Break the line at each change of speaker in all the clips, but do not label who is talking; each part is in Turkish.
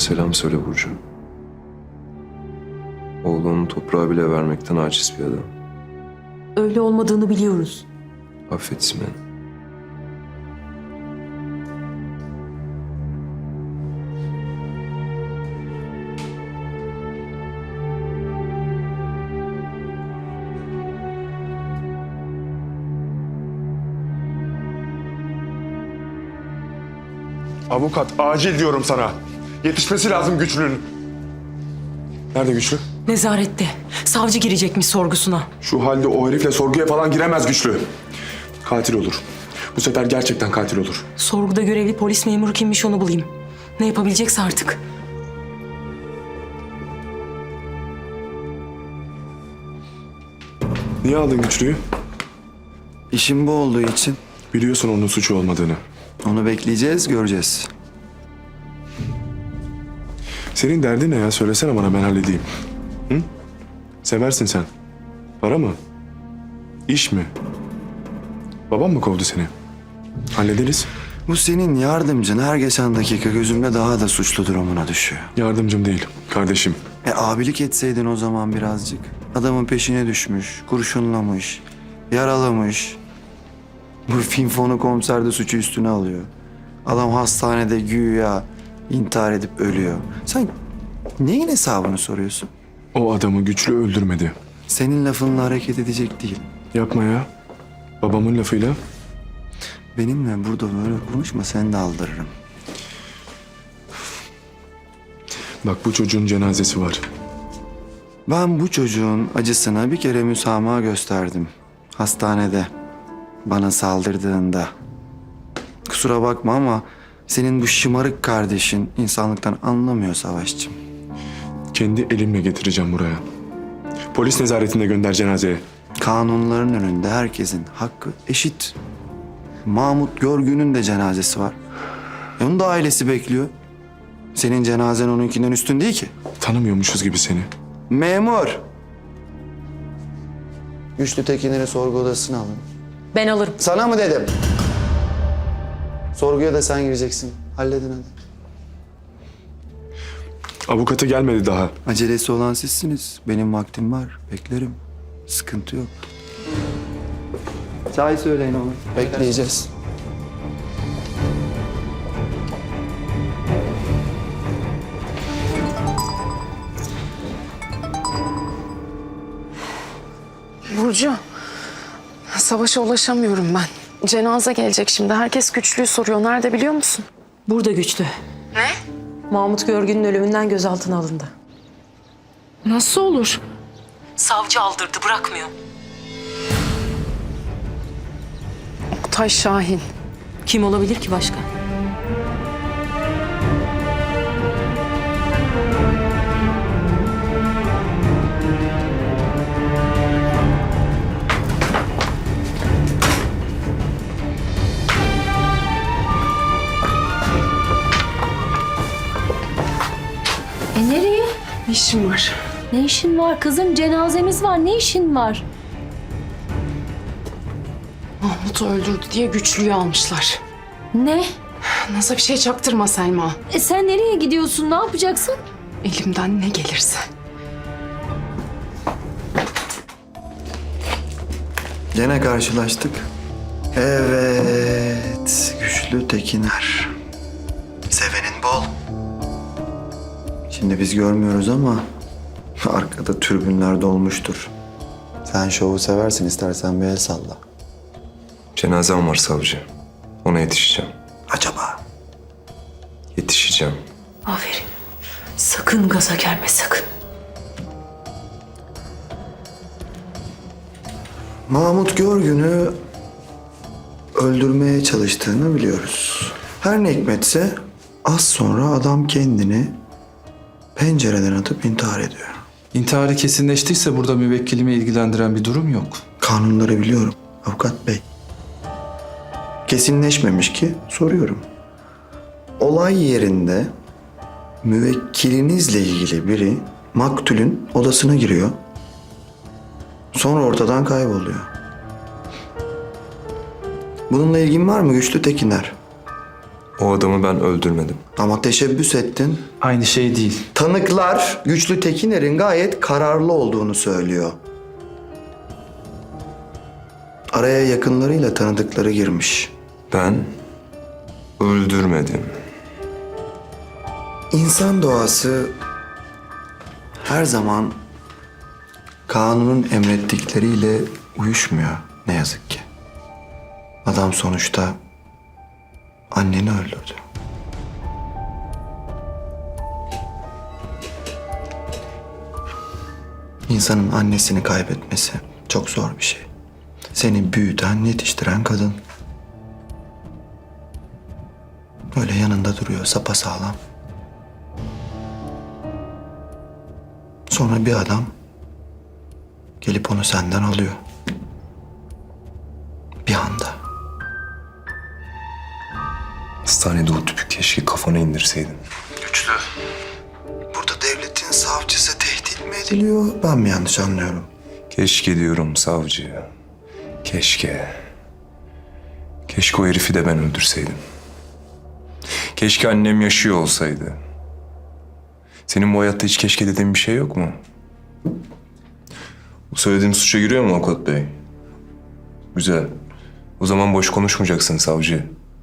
selam söyle Burcu. Oğlunu toprağa bile vermekten aciz bir adam.
Öyle olmadığını biliyoruz.
Affetsin beni.
Avukat, acil diyorum sana. Yetişmesi lazım Güçlü'nün. Nerede Güçlü?
Nezarette. Savcı girecekmiş sorgusuna.
Şu halde o herifle sorguya falan giremez Güçlü. Katil olur. Bu sefer gerçekten katil olur.
Sorguda görevli polis memuru kimmiş onu bulayım. Ne yapabilecekse artık.
Niye aldın Güçlü'yü?
İşim bu olduğu için
Biliyorsun onun suçu olmadığını.
onu bekleyeceğiz, göreceğiz.
Senin derdin ne ya? Söylesene bana, ben halledeyim. Hı? Seversin sen. Para mı? İş mi? Babam mı kovdu seni? Hallederiz.
Bu senin yardımcın her geçen dakika gözümde daha da suçlu durumuna düşüyor.
Yardımcım değil, kardeşim.
Abilik etseydin o zaman birazcık. Adamın peşine düşmüş, kurşunlamış, yaralamış. Bu finfonu komiser de suçu üstüne alıyor. Adam hastanede güya intihar edip ölüyor. Sen neyin hesabını soruyorsun?
O adamı Güçlü öldürmedi.
Senin lafınla hareket edecek değil.
Yapma ya. Babamın lafıyla.
Benimle burada böyle konuşma, seni de aldırırım.
Bak, bu çocuğun cenazesi var.
Ben bu çocuğun acısına bir kere müsamaha gösterdim. Hastanede. Bana saldırdığında. Kusura bakma ama senin bu şımarık kardeşin insanlıktan anlamıyor Savaşçım.
Kendi elimle getireceğim buraya. Polis nezaretinde gönder cenazeye.
Kanunların önünde herkesin hakkı eşit. Mahmut Görgün'ün de cenazesi var. Onun da ailesi bekliyor. Senin cenazen onunkinden üstün değil ki.
Tanımıyormuşuz gibi seni.
Memur! Güçlü Tekinleri sorgu odasına alın.
Ben alırım.
Sana mı dedim? Sorguya da sen gireceksin. Halledin hadi.
Avukatı gelmedi daha.
Acelesi olan sizsiniz. Benim vaktim var. Beklerim. Sıkıntı yok. Çay söyleyin oğlum. Bekleyeceğiz.
Burcu, Savaş'a ulaşamıyorum ben. Cenaze gelecek şimdi. Herkes Güçlü'yü soruyor. Nerede biliyor musun?
Burada Güçlü.
Ne?
Mahmut Görgün'ün ölümünden gözaltına alındı.
Nasıl olur?
Savcı aldırdı, bırakmıyor.
Oktay Şahin.
Kim olabilir ki başka?
Nereye?
Ne işin var?
Ne işin var kızım? Cenazemiz var. Ne işin var?
Mahmut'u öldürdü diye Güçlü'yü almışlar.
Ne?
Nasıl bir şey çaktırma Selma.
Sen nereye gidiyorsun? Ne yapacaksın?
Elimden ne gelirse.
Gene karşılaştık. Evet. Güçlü Tekiner. Sevenin bol. Şimdi biz görmüyoruz ama arkada türbünler dolmuştur. Sen şovu seversin, istersen bir el salla.
Cenazem var savcı. Ona yetişeceğim.
Acaba?
Yetişeceğim.
Aferin. Sakın gaza gelme, sakın.
Mahmut Görgün'ü öldürmeye çalıştığını biliyoruz. Her ne hikmetse az sonra adam kendini pencereden atıp intihar ediyor.
İntiharı kesinleştiyse burada müvekkilimi ilgilendiren bir durum yok.
Kanunları biliyorum avukat bey. Kesinleşmemiş ki soruyorum. Olay yerinde müvekkilinizle ilgili biri maktulün odasına giriyor. Sonra ortadan kayboluyor. Bununla ilgin var mı Güçlü Tekiner?
O adamı ben öldürmedim.
Ama teşebbüs ettin.
Aynı şey değil.
Tanıklar Güçlü Tekiner'in gayet kararlı olduğunu söylüyor. Araya yakınlarıyla tanıdıkları girmiş.
Ben öldürmedim.
İnsan doğası her zaman kanunun emrettikleriyle uyuşmuyor ne yazık ki. Adam sonuçta anneni öldürdü. İnsanın annesini kaybetmesi çok zor bir şey. Seni büyüten, yetiştiren kadın. Öyle yanında duruyor sapasağlam. Sonra bir adam gelip onu senden alıyor. Bir anda.
Hastanede o tüpü keşke kafana indirseydin.
Güçlü. Burada devletin savcısı tehdit mi ediliyor? Ben mi yanlış anlıyorum?
Keşke diyorum savcı. Keşke. Keşke o herifi de ben öldürseydim. Keşke annem yaşıyor olsaydı. Senin bu hayatta hiç keşke dediğin bir şey yok mu? Bu söylediğim suça giriyor mu avukat bey? Güzel. O zaman boş konuşmayacaksın savcı.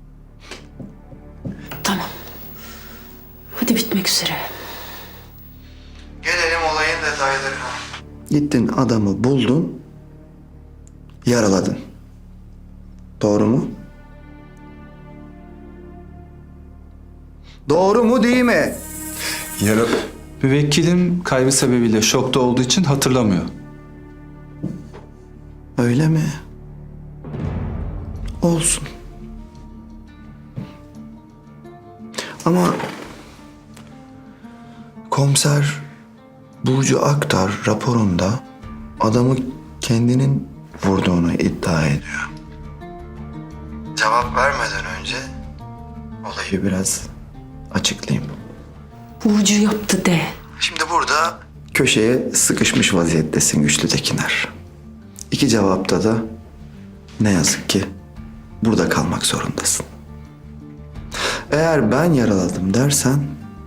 Tamam. Hadi bitmek üzere.
Gelelim olayın detaylarına. Gittin adamı buldun, yaraladın. Doğru mu? Doğru mu değil mi?
Yara...
Müvekkilim kaybı sebebiyle şokta olduğu için hatırlamıyor.
Öyle mi? Olsun. Ama komiser Burcu Aktar raporunda adamı kendinin vurduğunu iddia ediyor. Cevap vermeden önce olayı biraz açıklayayım.
Burcu yaptı de.
Şimdi burada köşeye sıkışmış vaziyettesin Güçlü Tekiner. İki cevapta da ne yazık ki burada kalmak zorundasın. Eğer ben yaraladım dersen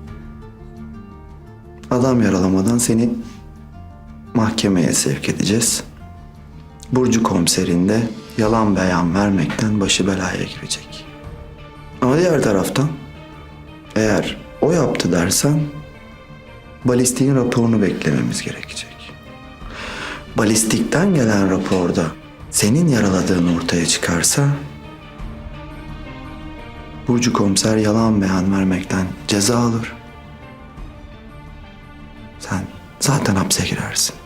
adam yaralamadan seni mahkemeye sevk edeceğiz. Burcu komiserin de yalan beyan vermekten başı belaya girecek. Ama diğer taraftan eğer o yaptı dersen balistiğin raporunu beklememiz gerekecek. Balistikten gelen raporda senin yaraladığın ortaya çıkarsa Burcu komiser yalan beyan vermekten ceza alır. Sen zaten hapse girersin.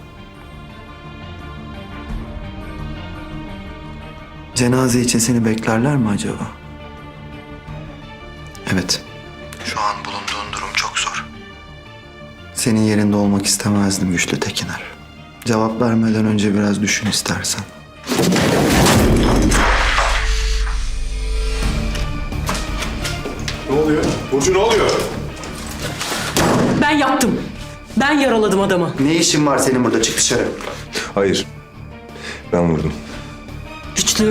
Cenaze için seni beklerler mi acaba? Evet. Şu an bulunduğun durum çok zor. Senin yerinde olmak istemezdim Güçlü Tekiner. Cevap vermeden önce biraz düşün istersen.
Ne oluyor? Burcu ne oluyor?
Ben yaptım. Ben yaraladım adamı.
Ne işin var senin burada? Çık dışarı.
Hayır. Ben vurdum.
Güçlü.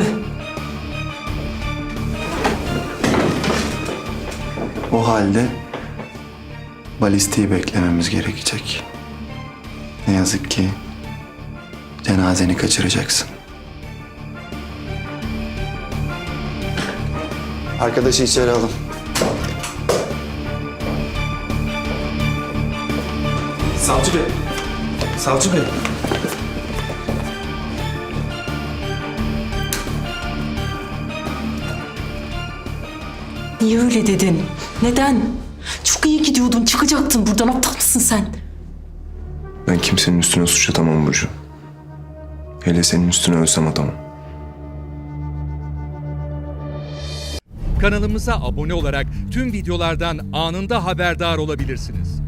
O halde balistiği beklememiz gerekecek. Ne yazık ki cenazeni kaçıracaksın. Arkadaşı içeri alın.
Savcı bey. Savcı bey.
Niye öyle dedin? Neden? Çok iyi gidiyordun. Çıkacaktın buradan. Aptal mısın sen?
Ben kimsenin üstüne suç atamam Burcu. Hele senin üstüne ölsem atamam.
Kanalımıza abone olarak tüm videolardan anında haberdar olabilirsiniz.